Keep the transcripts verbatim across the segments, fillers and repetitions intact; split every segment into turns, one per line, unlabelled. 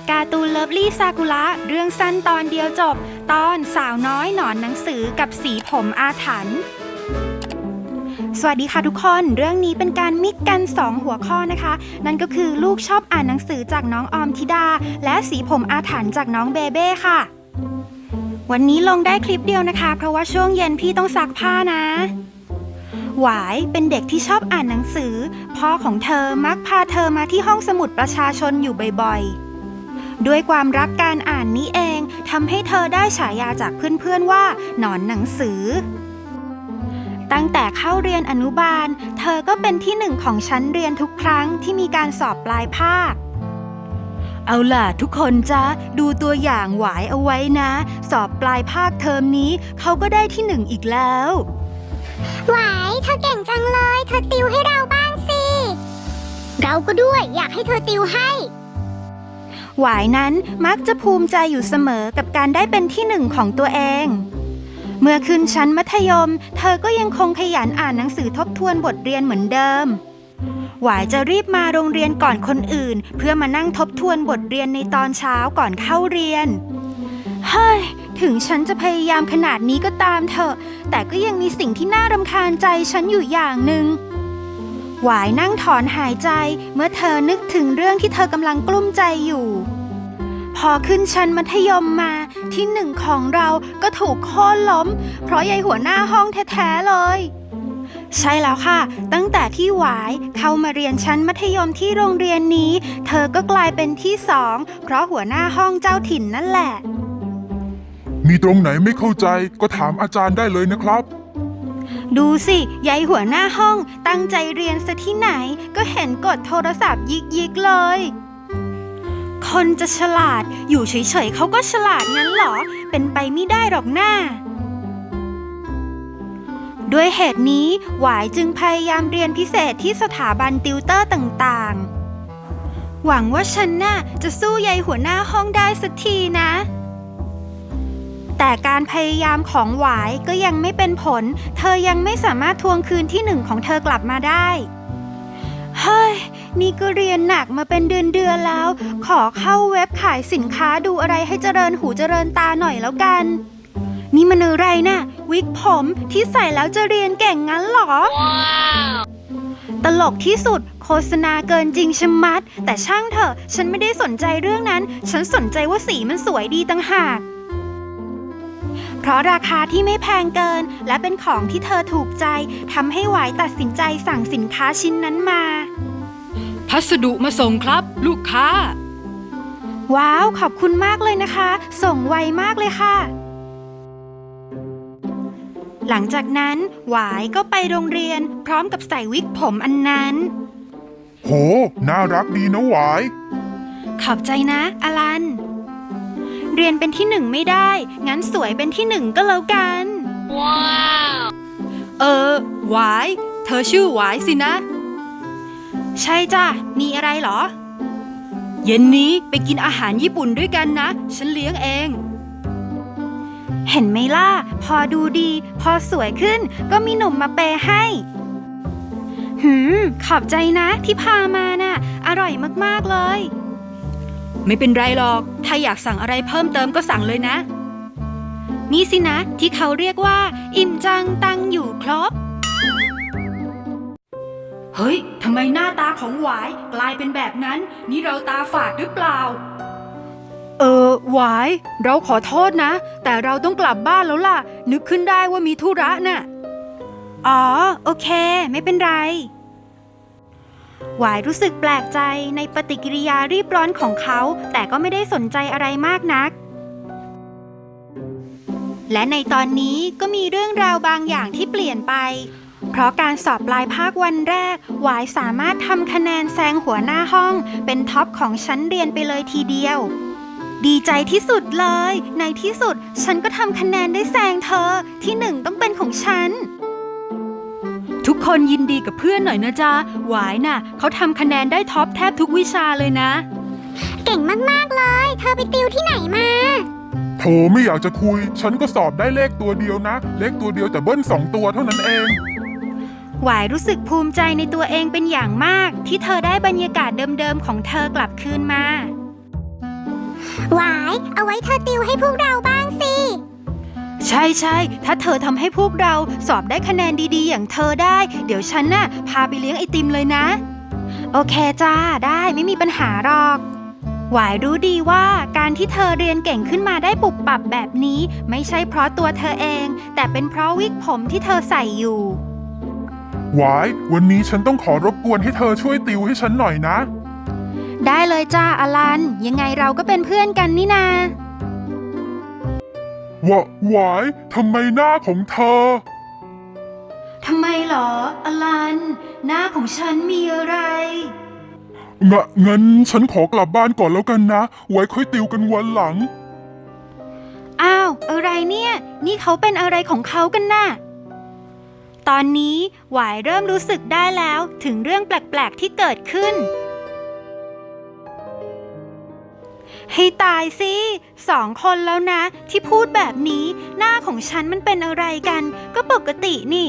การ์ตูนเลิฟลี่ซากุระเรื่องสั้นตอนเดียวจบตอนสาวน้อยหนอนหนังสือกับสีผมอาถรรพ์สวัสดีค่ะทุกคนเรื่องนี้เป็นการมิกกันสองหัวข้อนะคะนั่นก็คือลูกชอบอ่านหนังสือจากน้องออมธิดาและสีผมอาถรรพ์จากน้องเบเบ้ค่ะวันนี้ลงได้คลิปเดียวนะคะเพราะว่าช่วงเย็นพี่ต้องซักผ้านะหวายเป็นเด็กที่ชอบอ่านหนังสือพ่อของเธอมักพาเธอมาที่ห้องสมุดประชาชนอยู่บ่อยๆด้วยความรักการอ่านนี้เองทำให้เธอได้ฉายาจากเพื่อนๆว่าหนอนหนังสือตั้งแต่เข้าเรียนอนุบาลเธอก็เป็นที่หนึ่งของชั้นเรียนทุกครั้งที่มีการสอบปลายภาคเอาล่ะทุกคนจ๊ะดูตัวอย่างหวายเอาไว้นะสอบปลายภาคเทอมนี้เขาก็ได้ที่หนึ่งอีกแล้ว
หวายเธอเก่งจังเลยเธอติวให้เราบ้างสิเราก็ด้วยอยากให้เธอติวให้
หวายนั้นมักจะภูมิใจอยู่เสมอกับการได้เป็นที่หนึ่งของตัวเองเมื่อขึ้นชั้นมัธยมเธอก็ยังคงขยันอ่านหนังสือทบทวนบทเรียนเหมือนเดิมหวายจะรีบมาโรงเรียนก่อนคนอื่นเพื่อมานั่งทบทวนบทเรียนในตอนเช้าก่อนเข้าเรียนเฮ้ยถึงฉันจะพยายามขนาดนี้ก็ตามเถอะแต่ก็ยังมีสิ่งที่น่ารำคาญใจฉันอยู่อย่างหนึ่งหวายนั่งถอนหายใจเมื่อเธอนึกถึงเรื่องที่เธอกำลังกลุ้มใจอยู่พอขึ้นชั้นมัธยมมาที่หนึ่งของเราก็ถูกโค่นล้มเพราะยายหัวหน้าห้องแท้ๆเลยใช่แล้วค่ะตั้งแต่ที่หวายเข้ามาเรียนชั้นมัธยมที่โรงเรียนนี้เธอก็กลายเป็นที่สองเพราะหัวหน้าห้องเจ้าถิ่นนั่นแหละ
มีตรงไหนไม่เข้าใจก็ถามอาจารย์ได้เลยนะครับ
ดูสิยายหัวหน้าห้องตั้งใจเรียนซะที่ไหนก็เห็นกดโทรศัพท์ยิกยิกเลยคนจะฉลาดอยู่เฉยๆเขาก็ฉลาดงั้นเหรอเป็นไปไม่ได้หรอกหน้าด้วยเหตุนี้หวายจึงพยายามเรียนพิเศษที่สถาบันติวเตอร์ต่างๆหวังว่าฉันน่ะจะสู้ยายหัวหน้าห้องได้สักทีนะแต่การพยายามของหวายก็ยังไม่เป็นผลเธอยังไม่สามารถทวงคืนที่หนึ่งของเธอกลับมาได้เฮ้ยนี่ก็เรียนหนักมาเป็นเดือนๆแล้วขอเข้าเว็บขายสินค้าดูอะไรให้เจริญหูเจริญตาหน่อยแล้วกันนี่มันอะไรน่ะวิกผมที่ใส่แล้วจะเรียนเก่งงั้นเหรอ wow. ตลกที่สุดโฆษณาเกินจริงชะมัดแต่ช่างเถอะฉันไม่ได้สนใจเรื่องนั้นฉันสนใจว่าสีมันสวยดีต่างหากเพราะราคาที่ไม่แพงเกินและเป็นของที่เธอถูกใจทำให้หวายตัดสินใจสั่งสินค้าชิ้นนั้นมา
พัสดุมาส่งครับลูกค้า
ว้าวขอบคุณมากเลยนะคะส่งไวมากเลยค่ะหลังจากนั้นหวายก็ไปโรงเรียนพร้อมกับใส่วิกผมอันนั้น
โหน่ารักดีนะหวาย
ขอบใจนะอลันเรียนเป็นที่หนึ่งไม่ได้งั้นสวยเป็นที่หนึ่งก็แล้วกันว้าว
เออหวายเธอชื่อหวายสินะ
ใช่จ้ะมีอะไรเหรอ
เย็นนี้ไปกินอาหารญี่ปุ่นด้วยกันนะฉันเลี้ยงเอง
เห็นไหมล่ะพอดูดีพอสวยขึ้นก็มีหนุ่มมาเปย์ให้หืมขอบใจนะที่พามาน่ะอร่อยมากๆเลย
ไม่เป็นไรหรอกถ้าอยากสั่งอะไรเพิ่มเติมก็สั่งเลยนะ
นี่สินะที่เขาเรียกว่าอิ่มจังตังอยู่ครบ
เฮ้ยทำไมหน้าตาของหวายกลายเป็นแบบนั้นนี่เราตาฝาดหรือเปล่าเออหวายเราขอโทษนะแต่เราต้องกลับบ้านแล้วล่ะนึกขึ้นได้ว่ามีธุระน่ะ
อ๋อโอเคไม่เป็นไรหวายรู้สึกแปลกใจในปฏิกิริยารีบร้อนของเขาแต่ก็ไม่ได้สนใจอะไรมากนักและในตอนนี้ก็มีเรื่องราวบางอย่างที่เปลี่ยนไปเพราะการสอบปลายภาควันแรกหวายสามารถทำคะแนนแซงหัวหน้าห้องเป็นท็อปของชั้นเรียนไปเลยทีเดียวดีใจที่สุดเลยในที่สุดฉันก็ทำคะแนนได้แซงเธอที่หนึ่งต้องเป็นของฉัน
ทุกคนยินดีกับเพื่อนหน่อยนะจ๊ะหวายน่ะเขาทำคะแนนได้ท็อปแทบทุกวิชาเลยนะ
เก่งมากๆเลยเธอไปติวที่ไหนมา
โธ่ไม่อยากจะคุยฉันก็สอบได้เลขตัวเดียวนะเลขตัวเดียวแต่เบิ้ลสองตัวเท่านั้นเอง
หวายรู้สึกภูมิใจในตัวเองเป็นอย่างมากที่เธอได้บรรยากาศเดิมๆของเธอกลับคืนมา
หวายเอาไว้เธอติวให้พวกเราบ้างสิ
ใช่ใช่ถ้าเธอทำให้พวกเราสอบได้คะแนนดีๆ อย่างเธอได้ เดี๋ยวฉันน่ะพาไปเลี้ยงไอติมเลยนะ โอเคจ้าได้ไม่มีปัญหาหรอก หวายรู้ดีว่าการที่เธอเรียนเก่งขึ้นมาได้ปุบปับแบบนี้ไม่ใช่เพราะตัวเธอเอง แต่เป็นเพราะวิกผมที่เธอใส่อยู่
หวายวันนี้ฉันต้องขอรบกวนให้เธอช่วยติวให้ฉันหน่อยนะ
ได้เลยจ้าอลันยังไงเราก็เป็นเพื่อนกันนี่นา
วะหวายทำไมหน้าของเธอ
ทำไมเหรออลัน หน้าของฉันมีอะไร
งะงั้นฉันขอกลับบ้านก่อนแล้วกันนะ ไว้ค่อยติวกันวันหลัง
อ้าวอะไรเนี่ย นี่เขาเป็นอะไรของเขากันน่ะ ตอนนี้หวายเริ่มรู้สึกได้แล้วถึงเรื่องแปลกๆที่เกิดขึ้น ให้ตายสิสองคนแล้วนะ ที่พูดแบบนี้หน้าของฉันมันเป็นอะไรกัน ก็ปกตินี่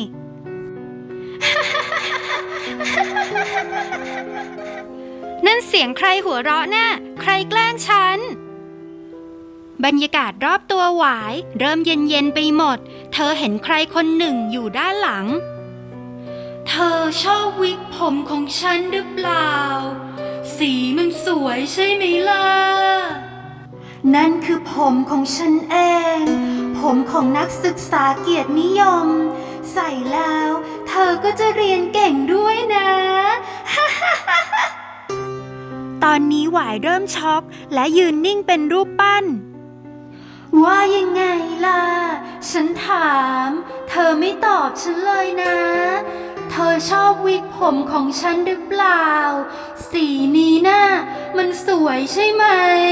นั่นเสียงใครหัวเราะน่ะใครแกล้งฉัน บรรยากาศรอบตัวหวายเริ่มเย็นๆไปหมด เธอเห็นใครคนหนึ่งอยู่ด้านหลัง เธอชอบวิกผมของฉันหรือเปล่า สีมันสวยใช่ไหมล่ะ นั่นคือผมของฉันเอง ผมของนักศึกษาเกียรตินิยม ใส่แล้วเธอก็จะเรียนเก่งด้วยนะ ตอนนี้หวายเริ่มช็อกและยืนนิ่งเป็นรูปปั้น ว่ายังไงล่ะ ฉันถาม เธอไม่ตอบฉันเลยนะ เธอชอบวิกผมของฉันหรือเปล่า สีนี้น่ะมันสวยใช่ไหม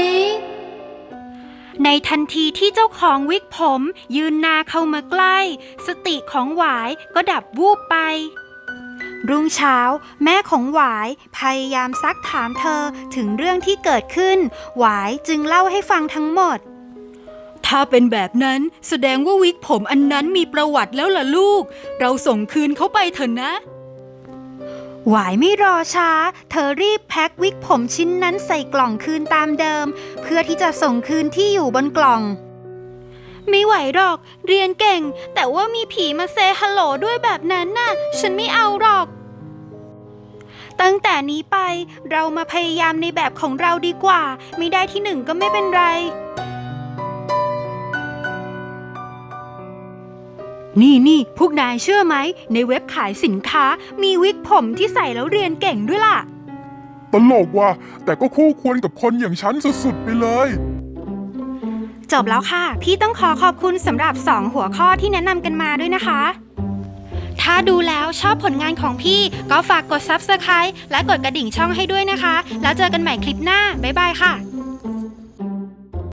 ในทันทีที่เจ้าของวิกผมยืนหน้าเข้ามาใกล้ สติของหวายก็ดับวูบไป รุ่งเช้าแม่ของหวายพยายามซักถามเธอถึงเรื่องที่เกิดขึ้น หวายจึงเล่าให้ฟังทั้งหมด
ถ้าเป็นแบบนั้นแสดงว่าวิกผมอันนั้นมีประวัติแล้วล่ะลูก เราส่งคืนเขาไปเถอะนะ
หวายไม่รอช้า เธอรีบแพ็ควิกผมชิ้นนั้นใส่กล่องคืนตามเดิม เพื่อที่จะส่งคืนที่อยู่บนกล่อง ไม่ไหวหรอก เรียนเก่ง แต่ว่ามีผีมาเซฮัลโหลด้วยแบบนั้นน่ะ ฉันไม่เอาหรอก ตั้งแต่นี้ไปเรามาพยายามในแบบของเราดีกว่า ไม่ได้ที่หนึ่งก็ไม่เป็นไร
นี่นี่พวกนายเชื่อไหม ในเว็บขายสินค้ามีวิกผมที่ใส่แล้วเรียนเก่งด้วยล่ะ
ตลกว่ะแต่ก็คู่ควรกับคนอย่างฉันสุดๆไปเลย
จบแล้วค่ะ พี่ต้องขอขอบคุณสำหรับสองหัวข้อที่แนะนำกันมาด้วยนะคะ ถ้าดูแล้วชอบผลงานของพี่ก็ฝากกด ซับสไครบ์ และกดกระดิ่งช่องให้ด้วยนะคะ แล้วเจอกันใหม่คลิปหน้า บ๊ายบายค่ะ